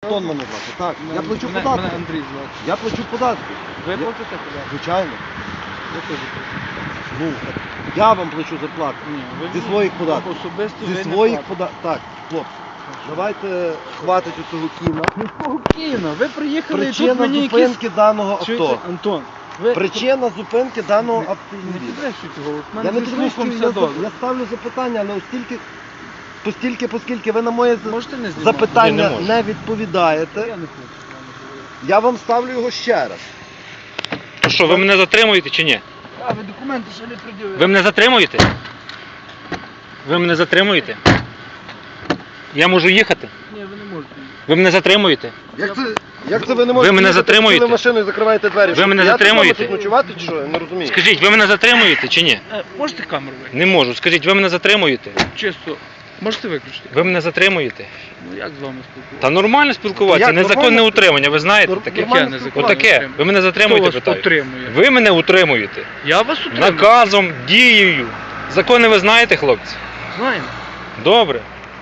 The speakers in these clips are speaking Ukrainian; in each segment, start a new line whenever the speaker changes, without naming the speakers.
Тон мене звати, так. Я плачу
Мене
податки.
Андрій звати.
Я плачу податки.
Ви
Я-
платите податки?
Звичайно.
Я теж плачу.
Ну, я вам плачу зарплату.
Ні, ви
Зі
ні.
своїх податків.
Особисто
Зі
ви не
своїх
платите.
податків. Так, хлопці, давайте хватить у цього кіна.
Спокійно, ви приїхали і тут
Причина
мені
зупинки даного
Чуєте,
авто.
Антон, ви...
Причина зупинки даного
Не
автомобіля.
підвищуйте голос, в
Я
мене
не
зі слухом
підвищую,
все добре.
я ставлю запитання, але оскільки ви на моє
Можете не знімати?
запитання
Ні, не можу.
не відповідаєте,
Я не хочу з вами говорити.
я вам ставлю його ще раз.
То що, ви мене затримуєте чи ні?
А, ви документи ще не пред'явили.
Ви мене затримуєте? Ви мене затримуєте? Я можу їхати?
Ні, ви не можете.
Ви мене затримуєте?
Як це ви не можете
мене
їхати,
затримуєте?
сіли в машину і закриваєте двері?
Ви
Що,
мене
стояти вдома
затримуєте?
тут ночувати чи що? Я не розумію.
Скажіть, ви мене затримуєте чи ні?
Можете камеру виключити?
Не можу. Скажіть, ви мене затримуєте?
Чисто. Можете виключити?
Ви мене затримуєте?
Ну як з вами спілкуватися?
Та нормально спілкуватися,
Як
незаконне
нормально?
утримання, ви знаєте таке?
Нормально
незаконне
спілкуватися.
Отаке.
утримання?
Ви мене
Хто
затримуєте,
вас
питаю.
утримує?
Ви мене утримуєте.
Я вас утримую.
Наказом, дією. Закони ви знаєте, хлопці?
Знаємо.
Добре.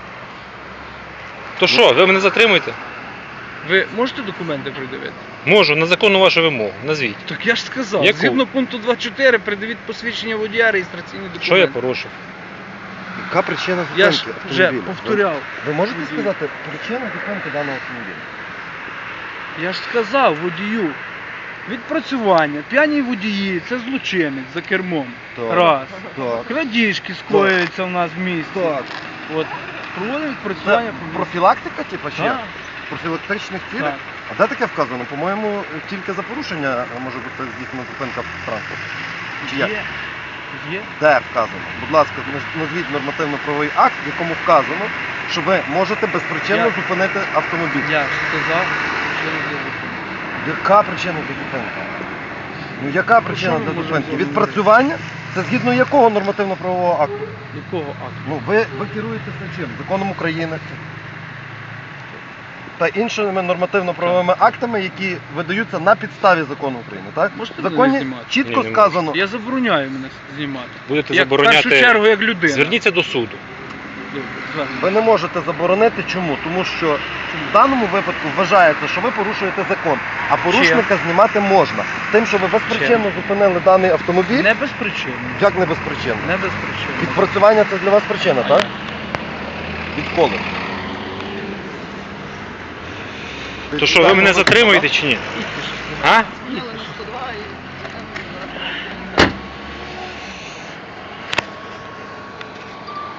То що, ви мене затримуєте?
Ви можете документи придивити?
Можу, на законну вашу вимогу. Назвіть.
Так я ж сказав,
Яку?
згідно пункту 2.4 придивіть посвідчення водія, реєстраційний документ.
Що я порушив?
Яка причина
Я ж
зупинки
вже
автомобіля?
повторяв.
Ви можете
Водію.
сказати причину зупинки даного автомобіля?
Я ж сказав водію. Відпрацювання, п'яні водії, це злочинець за кермом.
Так.
Раз.
Так.
Крадіжки скоюються в нас в місті.
Так.
От. Проводимо відпрацювання
Це
по місту.
профілактика, типу, чи як?
Так,
Профілактичних цілях?
так.
А де таке вказано? По-моєму, тільки за порушення може бути здійснена зупинка транспорту. Чи як?
Є. Є.
Де вказано? Будь ласка, назвіть нормативно-правовий акт, в якому вказано, що ви можете безпричинно
Я-
зупинити автомобіль.
Я ж сказав, що не зробити.
Яка причина для зупинки? Ну яка причина
що ми
для
можемо
зупинки?
з вами
Відпрацювання? Це згідно якого нормативно-правового акту?
Якого акту?
Ну ви керуєтеся чим? Законом України та іншими нормативно-правовими актами, які видаються на підставі закону України, так?
Можете
В
мене
законі
не знімати?
чітко
Ні, не можу.
сказано.
Я забороняю мене знімати.
Будете
Як, в першу
забороняти.
чергу, як людина.
Зверніться до суду.
Добре, звернемо.
Ви не можете заборонити. Чому? Тому що в даному випадку вважається, що ви порушуєте закон, а порушника знімати можна. Тим, що ви безпричинно зупинили даний автомобіль,
Не без причини.
як не безпричинно?
Не без причини.
Відпрацювання це для вас причина, так? Відколи?
То що, ви мене затримуєте чи ні? А?
Їдьте.